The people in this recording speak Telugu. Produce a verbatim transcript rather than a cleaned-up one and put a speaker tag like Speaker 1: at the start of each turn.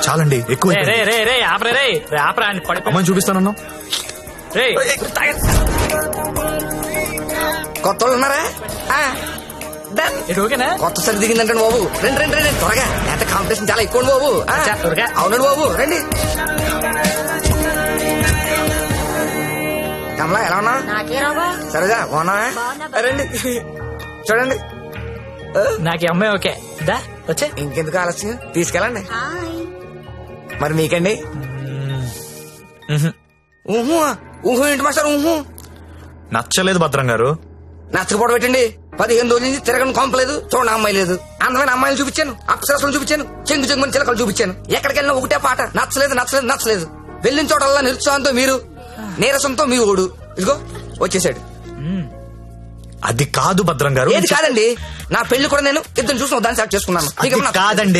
Speaker 1: చాలండి ఎక్కువ
Speaker 2: రే రే రే రే ఆపరే రే రే ఆపరా అని పడి
Speaker 1: అమ్మని చూపిస్తానన్నా.
Speaker 2: రే
Speaker 3: కొత్త వాళ్ళు ఉన్నారా? ఆ, done.
Speaker 2: ఇది ఓకేనా?
Speaker 3: కొత్త సరి దిగిందంటే బాబు రండి రండి రండి త్వరగా. ఎంత కాంపిటీషన్ చాలా ఎక్కువ బాబు. ఆ,
Speaker 2: అచ్చా, త్వరగా.
Speaker 3: అవునండి బాబు రండి. కమలా ఎలా ఉన్నా? సరేగా బాగున్నా? రండి చూడండి.
Speaker 2: నాకు ఈ అమ్మాయి ఓకే దా వచ్చే.
Speaker 3: ఇంకెందుకు ఆలస్యం తీసుకెళ్ళండి. మరి మీకండి? ఊహు ఊహు ఏంటి మాస్టర్ ఊహు?
Speaker 1: నచ్చలేదు భద్రం గారు.
Speaker 3: నచ్చకపోవడం పెట్టండి. పదిహేను రోజుల నుంచి తిరగని కొంపలేదు, చూడండి అమ్మాయి లేదు. అందమైన అమ్మాయిలు చూపించాను, అప్సరసలు చూపించాను, చెంగు చెంగుని చిలకలు చూపించాను. ఎక్కడికి వెళ్ళినా ఒకటే పాట, నచ్చలేదు నచ్చలేదు నచ్చలేదు. వెళ్ళిన చోటల్లా నిరుత్సాహంతో మీరు, నీరసంతో మీ ఓడు. ఇదిగో వచ్చేసాడు.
Speaker 1: అది కాదు భద్రం గారు.
Speaker 3: ఏది కాదండి, నా పెళ్లి కూడా నేను ఇద్దరు చూసిన దాన్ని సెలెక్ట్ చేసుకున్నాను.
Speaker 1: అది కాదండి.